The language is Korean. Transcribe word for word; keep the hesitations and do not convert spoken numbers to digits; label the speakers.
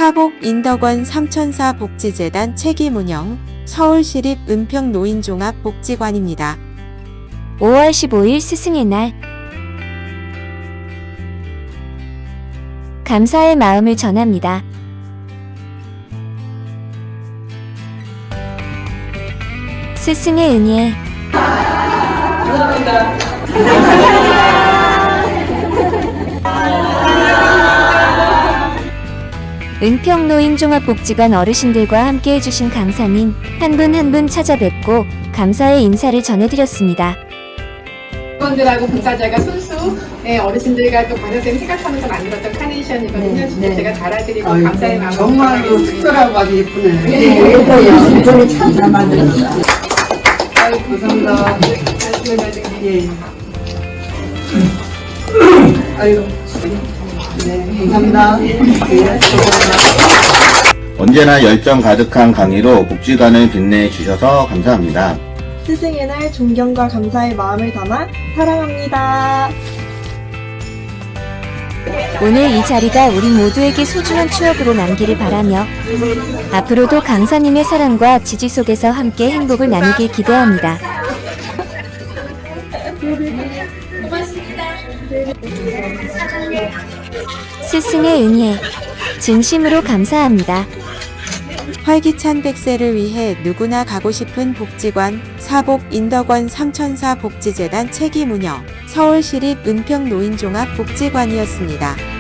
Speaker 1: 사복 인덕원 삼천사 복지재단 책임 운영 서울시립 은평노인종합복지관입니다.
Speaker 2: 오월 십오일 스승의 날. 감사의 마음을 전합니다. 스승의 은혜. 은평노인종합복지관 어르신들과 함께 해주신 강사님 한 분 한 분 찾아뵙고 감사의 인사를 전해드렸습니다.
Speaker 3: 직원들하고 봉사자가 손수 네, 어르신들과 또 관여쌤 생각하면서 만들었던 카네이션이거든요.
Speaker 4: 네,
Speaker 3: 진짜
Speaker 4: 네.
Speaker 3: 제가 달아드리고
Speaker 4: 아이고,
Speaker 3: 감사의 마음을
Speaker 4: 정말 그
Speaker 3: 전하겠습니다.
Speaker 4: 특별하고 아주 예쁘네.
Speaker 3: 네.
Speaker 4: 예뻐요. 이번에 참 잘 만들었어.
Speaker 3: 아이고,
Speaker 4: 감사합니다.
Speaker 3: 말씀을 받으세요.
Speaker 4: 예. 아이고. 네, 감사합니다. 네, 감사합니다.
Speaker 5: 언제나 열정 가득한 강의로 복지관을 빛내 주셔서 감사합니다.
Speaker 6: 스승의 날 존경과 감사의 마음을 담아 사랑합니다.
Speaker 2: 오늘 이 자리가 우리 모두에게 소중한 추억으로 남기를 바라며 앞으로도 강사님의 사랑과 지지 속에서 함께 행복을 나누길 기대합니다. 스승의 은혜 진심으로 감사합니다.
Speaker 1: 활기찬 백 세를 위해 누구나 가고 싶은 복지관 사복 인덕원 삼천사 복지재단 책임 운영 서울시립 은평노인종합복지관이었습니다.